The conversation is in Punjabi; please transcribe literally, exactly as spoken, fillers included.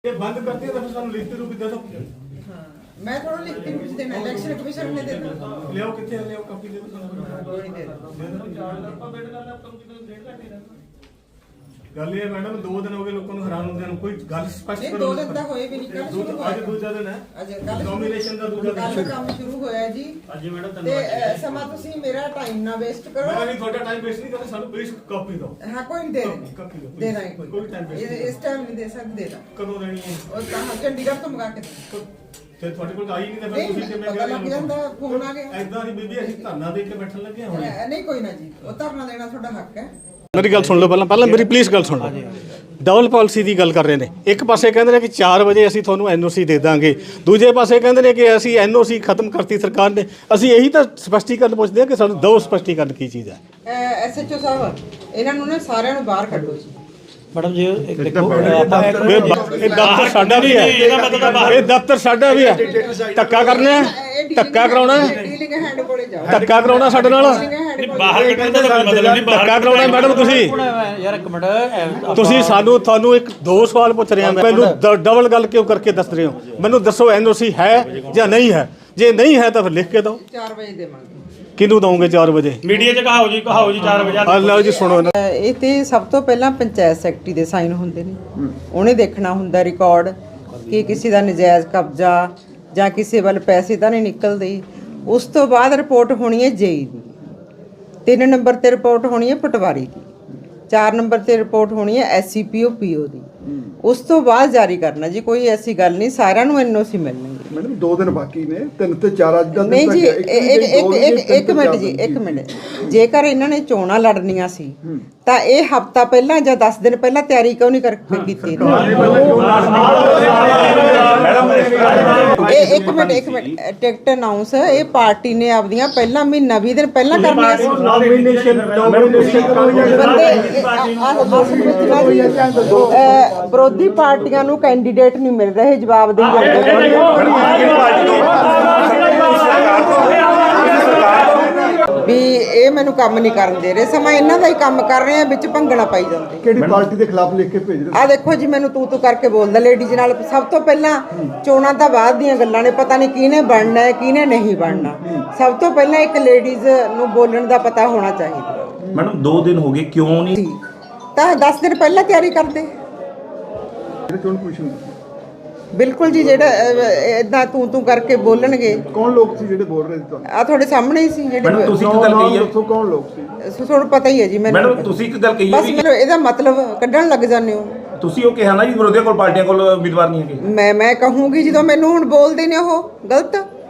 ये बंद करती है तो फिर सानू लिखती रूप दे दो। हां मैं थोड़ा लिखती कुछ देना इलेक्शन कमीशन ने दे दो ले आओ किथे ले आओ कॉपी दे दो सानू कोई दे दो दे दो चार ਆਪਾਂ ਵੇਟ ਕਰਨਾ ਆਪਾਂ ਨੂੰ ਕਿਤੇ ਡੇਢ ਘੰਟੇ ਰਹਿਣਾ ਗੱਲ ਇਹ ਮੈਡਮ ਦੋ ਦਿਨ ਹੋ ਗਏ ਲੋਕਾਂ ਨੂੰ ਹੈਰਾਨ ਹੁੰਦਿਆਂ ਨੂੰ ਕੋਈ ਗੱਲ ਸਪਸ਼ਟ ਕਰੋ। ਦੋ ਦਿਨ ਤਾਂ ਹੋਏ ਵੀ ਨਹੀਂ ਕੱਲ ਸ਼ੁਰੂ ਹੋਇਆ ਅੱਜ ਦੂਜਾ ਦਿਨ ਹੈ ਅੱਜ ਕੱਲ ਨੋਮੀਨੇਸ਼ਨ ਦਾ ਦੂਜਾ ਦਿਨ ਕੱਲ ਕੰਮ ਸ਼ੁਰੂ ਹੋਇਆ ਜੀ ਅੱਜ ਮੈਡਮ ਤੇ ਸਮਾਂ ਤੁਸੀਂ ਮੇਰਾ ਟਾਈਮ ਨਾ ਵੇਸਟ ਕਰੋ। ਮੈਂ ਨਹੀਂ ਤੁਹਾਡਾ ਟਾਈਮ ਵੇਸਟ ਨਹੀਂ ਕਰਦਾ ਸਾਨੂੰ ਪਲੀਜ਼ ਕਾਪੀ ਦਿਓ। ਹਾਂ ਕੋਈ ਨਹੀਂ ਦੇ ਕਾਪੀ ਦਿਓ ਦੇ ਦਾਂਗੇ ਕੋਈ ਟਾਈਮ ਵੇਸਟ ਇਸ ਟਾਈਮ ਨਹੀਂ ਦੇ ਸਕਦੇ ਦੇ ਦਾਂ ਕਦੋਂ ਦੇਣੀ ਹੈ ਉਹ ਤਾਂ ਚੰਡੀਗੜ੍ਹ ਤੋਂ ਮੰਗਾ ਕੇ ਤੇ ਤੁਹਾਡੇ ਕੋਲ ਆਈ ਨਹੀਂ ਤਾਂ ਫਿਰ ਤੁਸੀਂ ਕਿਵੇਂ ਪਤਾ ਲੱਗ ਜਾਂਦਾ ਫੋਨ ਆ ਗਿਆ ਐਦਾਂ ਦੀ ਬੀਬੀ ਅਸੀਂ ਧਰਨਾ ਦੇ ਕੇ ਬੈਠਣ ਲੱਗੇ ਹੁਣ ਨਹੀਂ ਕੋਈ ਨਾ ਜੀ ਉਹ ਧਰਨਾ ਦੇਣਾ ਤੁਹਾਡਾ ਹੱਕ ਹੈ। ਮੇਰੀ ਗੱਲ ਸੁਣ ਲਓ ਪਹਿਲਾਂ ਪਹਿਲਾਂ ਮੇਰੀ ਪਲੀਜ਼ ਗੱਲ ਸੁਣ ਲਓ। ਡਬਲ ਪਾਲਿਸੀ ਦੀ ਗੱਲ ਕਰ ਰਹੇ ਨੇ। ਇੱਕ ਪਾਸੇ ਕਹਿੰਦੇ ਨੇ ਕਿ ਚਾਰ ਵਜੇ ਅਸੀਂ ਤੁਹਾਨੂੰ ਐਨ ਓ ਸੀ ਦੇ ਦਾਂਗੇ, ਦੂਜੇ ਪਾਸੇ ਕਹਿੰਦੇ ਨੇ ਕਿ ਅਸੀਂ ਐਨ ਓ ਸੀ ਖਤਮ ਕਰਤੀ ਸਰਕਾਰ ਨੇ। ਅਸੀਂ ਇਹੀ ਤਾਂ ਸਪਸ਼ਟੀਕਰਨ ਪੁੱਛਦੇ ਹਾਂ ਕਿ ਸਾਨੂੰ ਦੋ ਸਪਸ਼ਟੀਕਰਨ ਕੀ ਚੀਜ਼ ਹੈ। ਐਸ ਐਚ ਓ ਸਾਹਿਬ ਇਹਨਾਂ ਨੂੰ ਨਾ ਸਾਰਿਆਂ ਨੂੰ ਬਾਹਰ ਕੱਢੋ ਜੀ। ਮੈਡਮ ਜੀ ਇੱਕ ਦੇਖੋ ਇਹ ਦਫ਼ਤਰ ਸਾਡਾ ਵੀ ਹੈ, ਇਹ ਦਫ਼ਤਰ ਸਾਡਾ ਵੀ ਹੈ। ਧੱਕਾ ਕਰਨਾ ਹੈ, ਧੱਕਾ ਕਰਾਉਣਾ ਹੈ, ਡੀਲਿੰਗ ਹੈਡ ਕੋਲੇ ਜਾਓ। ਧੱਕਾ ਕਰਾਉਣਾ ਸਾਡੇ ਨਾਲ, ਬਾਹਰ ਕੱਢਣ ਦਾ ਕੋਈ ਮਤਲਬ ਨਹੀਂ। ਧੱਕਾ ਕਰਾਉਣਾ ਮੈਡਮ। ਤੁਸੀਂ ਯਾਰ ਇੱਕ ਮਿੰਟ ਤੁਸੀਂ ਸਾਨੂੰ ਤੁਹਾਨੂੰ ਇੱਕ ਦੋ ਸਵਾਲ ਪੁੱਛ ਰਿਹਾ ਮੈਂ, ਮੈਨੂੰ ਡਬਲ ਗੱਲ ਕਿਉਂ ਕਰਕੇ ਦੱਸ ਰਹੇ ਹੋ? ਮੈਨੂੰ ਦੱਸੋ ਐਨ ਓ ਸੀ ਹੈ ਜਾਂ ਨਹੀਂ ਹੈ? ਜੇ ਨਹੀਂ ਹੈ ਤਾਂ ਫਿਰ ਲਿਖ ਕੇ ਦਿਓ। ਚਾਰ ਵਜੇ ਦੇਵਾਂਗੇ। ਕਿਹਨੂੰ ਦਵੋਗੇ ਚਾਰ ਵਜੇ? ਮੀਡੀਆ 'ਚ ਕਹਾਓ ਜੀ ਕਹਾਓ ਜੀ ਚਾਰ ਵਜੇ। ਆ ਲਓ ਜੀ ਸੁਣੋ ਨਾ। ਇਹ ਤੇ ਸਭ ਤੋਂ ਪਹਿਲਾਂ ਪੰਚਾਇਤ ਸੈਕਟਰੀ ਦੇ ਸਾਈਨ ਹੁੰਦੇ ਨੇ, ਉਹਨੇ ਦੇਖਣਾ ਹੁੰਦਾ ਰਿਕਾਰਡ ਕਿ ਕਿਸੇ ਦਾ ਨਜਾਇਜ਼ ਕਬਜ਼ਾ ਜਾਂ ਕਿਸੇ ਵੱਲ ਪੈਸੇ ਤਾਂ ਨਹੀਂ ਨਿਕਲਦੇ। ਉਸ ਤੋਂ ਬਾਅਦ ਰਿਪੋਰਟ ਹੋਣੀ ਹੈ ਜੇਈ ਦੀ, ਤਿੰਨ ਨੰਬਰ ਤੇ ਰਿਪੋਰਟ ਹੋਣੀ ਹੈ ਪਟਵਾਰੀ ਦੀ, ਚਾਰ ਨੰਬਰ ਤੇ ਰਿਪੋਰਟ ਹੋਣੀ ਹੈ ਐਸ ਸੀ ਪੀ ਓ ਪੀ ਓ ਦੀ। ਉਸ ਤੋਂ ਬਾਅਦ ਜਾਰੀ ਕਰਨਾ ਜੀ। ਕੋਈ ਐਸੀ ਗੱਲ ਨਹੀਂ, ਸਾਰਿਆਂ ਨੂੰ ਐਨ ਓ ਸੀ ਮਿਲਣਗੇ। ਮੈਡਮ ਦੋ ਦਿਨ ਬਾਕੀ ਨੇ, ਤਿੰਨ ਤੇ ਚਾਰ ਅੱਜ ਦਾ ਨਹੀਂ ਜੀ ਇੱਕ ਇੱਕ ਇੱਕ ਮਿੰਟ ਜੀ ਇੱਕ ਮਿੰਟ। ਜੇਕਰ ਇਹਨਾਂ ਨੇ ਚੋਣਾਂ ਲੜਨੀਆਂ ਸੀ ਤਾਂ ਇਹ ਹਫਤਾ ਪਹਿਲਾਂ ਜਾਂ ਦਸ ਦਿਨ ਪਹਿਲਾਂ ਤਿਆਰੀ ਕਿਉਂ ਨਹੀਂ ਕਰਕੇ ਕੀਤੀ? ਇਹ ਇੱਕ ਮਿੰਟ ਇੱਕ ਮਿੰਟ ਟਿਕਟ ਅਨਾਉਂਸ ਇਹ ਪਾਰਟੀ ਨੇ ਆਪਦੀਆਂ ਪਹਿਲਾਂ ਮਹੀਨਾ ਵੀਹ ਦਿਨ ਪਹਿਲਾਂ ਕਰਨੀਆਂ ਸੀ। ਨੋਮੀਨੇਸ਼ਨ ਨੋਮੀਨੇਸ਼ਨ ਵਿਰੋਧੀ ਪਾਰਟੀਆਂ ਨੂੰ ਕੈਂਡੀਡੇਟ ਨਹੀਂ ਮਿਲ ਰਹੇ, ਜਵਾਬ ਦੇਈ ਜਾਂਦੇ। ਵੀ ਇਹ ਮੈਨੂੰ ਕੰਮ ਨਹੀਂ ਕਰਨ ਦੇ ਰਹੇ, ਸਮਾਂ ਇਹਨਾਂ ਦਾ ਹੀ ਕੰਮ ਕਰ ਰਹੇ ਆ, ਵਿੱਚ ਭੰਗਣਾ ਪਾਈ ਜਾਂਦੇ। ਕਿਹੜੀ ਪਾਰਟੀ ਦੇ ਖਿਲਾਫ ਲਿਖ ਕੇ ਭੇਜ ਰਹੇ? ਆ ਦੇਖੋ ਜੀ ਮੈਨੂੰ ਤੂੰ ਤੂੰ ਕਰਕੇ ਬੋਲਦਾ ਲੇਡੀਜ਼ ਨਾਲ। ਸਭ ਤੋਂ ਪਹਿਲਾਂ ਚੋਣਾਂ ਤਾਂ ਬਾਅਦ ਦੀਆਂ ਗੱਲਾਂ ਨੇ, ਪਤਾ ਨਹੀਂ ਕਿਹਨੇ ਬਣਨਾ ਹੈ ਕਿਹਨੇ ਨਹੀਂ ਬਣਨਾ। ਸਭ ਤੋਂ ਪਹਿਲਾਂ ਇੱਕ ਲੇਡੀਜ਼ ਨੂੰ ਬੋਲਣ ਦਾ ਪਤਾ ਹੋਣਾ ਚਾਹੀਦਾ। ਮੈਡਮ ਦੋ ਦਿਨ ਹੋ ਗਏ ਕਿਉਂ ਨਹੀਂ? ਤਾਂ ਦਸ ਦਿਨ ਪਹਿਲਾਂ ਤਿਆਰੀ ਕਰਦੇ। ਚੋਣ ਕਮਿਸ਼ਨ ਬਿਲਕੁਲ ਜੀ, ਜਿਹੜਾ ਇਦਾਂ ਤੂੰ ਤੂੰ ਕਰਕੇ ਬੋਲਣਗੇ। ਕੌਣ ਲੋਕ ਸੀ ਜਿਹੜੇ ਬੋਲ ਰਹੇ ਸੀ ਤੁਹਾਨੂੰ? ਆ ਤੁਹਾਡੇ ਸਾਹਮਣੇ ਹੀ ਸੀ ਜਿਹੜੇ। ਮੈਡਮ ਤੁਸੀਂ ਇੱਕ ਗੱਲ ਕਹੀ ਹੈ, ਦੱਸੋ ਕੌਣ ਲੋਕ ਸੀ? ਤੁਹਾਨੂੰ ਪਤਾ ਹੀ ਹੈ ਜੀ ਮੈਨੂੰ। ਮੈਡਮ ਤੁਸੀਂ ਇੱਕ ਗੱਲ ਕਹੀ ਹੈ ਬਸ ਮੈਨੂੰ ਇਹਦਾ ਮਤਲਬ ਕੱਢਣ ਲੱਗ ਜਾਂਦੇ ਹੋ। ਤੁਸੀਂ ਉਹ ਕਿਹਾ ਨਾ ਜੀ ਵਿਰੋਧੀਆਂ ਕੋਲ ਪਾਰਟੀਆਂ ਕੋਲ ਉਮੀਦਵਾਰ ਨਹੀਂ ਹੈਗੇ। ਮੈਂ ਮੈਂ ਕਹੂੰਗੀ ਜਦੋਂ ਮੈਨੂੰ ਹੁਣ ਬੋਲਦੇ ਨੇ ਉਹ ਗਲਤ।